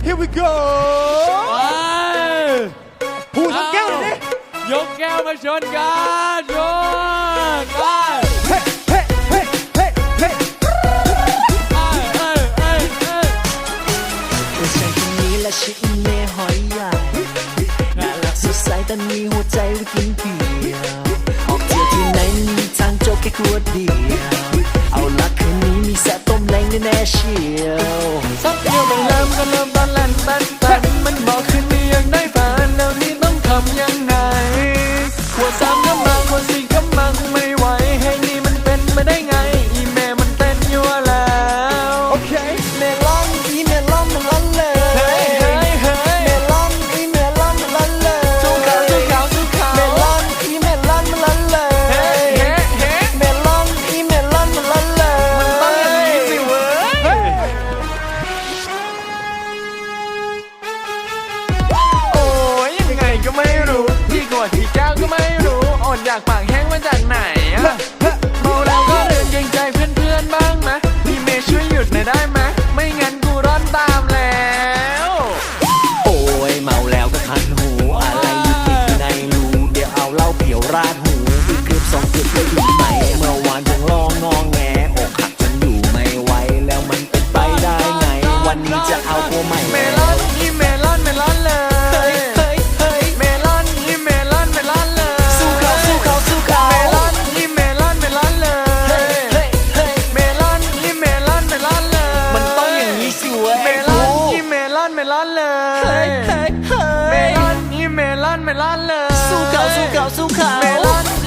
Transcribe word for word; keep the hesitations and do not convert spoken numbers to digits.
here we go ผู้ชนแก้วเลยดิยกแก้วมาชนกันชนไปเฮ้เฮ้เฮ้เฮ้เฮ้ฉันคนนี้และชื่อเมย์หอยใหญ่น่ารักสดใสแต่มีหัวใจไว้กินเพียวออกเที่ยวที่ไหนมีทางโจกแค่ขวดเดียวเอาละคืนนี้มีแซ่ต้มแรงแน่ๆเชียวสักเดียวต้องเริ่มก็เริ่มตอนแล่นแบนแบนมันบอกคืนนี้ยังได้แฟนแล้วนี่ต้องทำยังไงขวดสามก็มาขวดสี่ก็มังไม่ไหวให้นี่มันเป็นไปได้ไงอีเมย์มันเต้นยั่วแล้วโอเคเมลอนอีเมลอนมันลั่นเลยเฮ้ยเฮ้ยเฮ้ยเมลอนอีเมลอนมันลั่นเลยสู้เขาสู้เขาสู้เขาเมลอนอีเมลอนมันลั่นเลยเฮ้ยเฮ้ยเฮ้ยเมลอนอีเมลอนมันลั่นเลยมันต้องอย่างนี้สิเว้ยโอ้ยยังไงก็ไม่รู้ที่กดที่แก้วก็ไม่รู้อ่อนอยากปากแห้งมาจากไหนอะเมาแล้วก็เดินเกรงใจเพื่อนๆบ้างมะพี่เมย์ช่วยหยุดหน่อยได้ไหมไม่งั้นกูร้อนตามแล้วโอ้ยเมาแล้วก็คันหูอะไรอยู่ติดในรูเดี๋ยวเอาเหล้าเปี่ยวราดหูอีกเกือบสองเกือบจะอยู่ไหมเมื่อวานผมลองงองแงอกหักจนอยู่ไม่ไหวแล้วมันเป็นไปได้ไงวันนี้จะเอาตัวใหม่เมลอนอีเมลอนเมลอนเลยเฮ้ยเฮ้ยเฮ้ยเมลอนอีเมลอนเมลอนเลยสู้เขาสู้เขาสู้เขาเมลอนอีเมลอนเมลอนเลยเฮ้ยเฮ้ยเฮ้ยเมลอนอีเมลอนเมลอนเลยมันต้องอย่างนี้สิเว้ยเมลอนอีเมลอนเมลอนเลยเฮ้ยเฮ้ยเฮ้ยเมลอนอีเมลอนเมลอนเลยสู้เขาสู้เขาสู้เขาเมลอน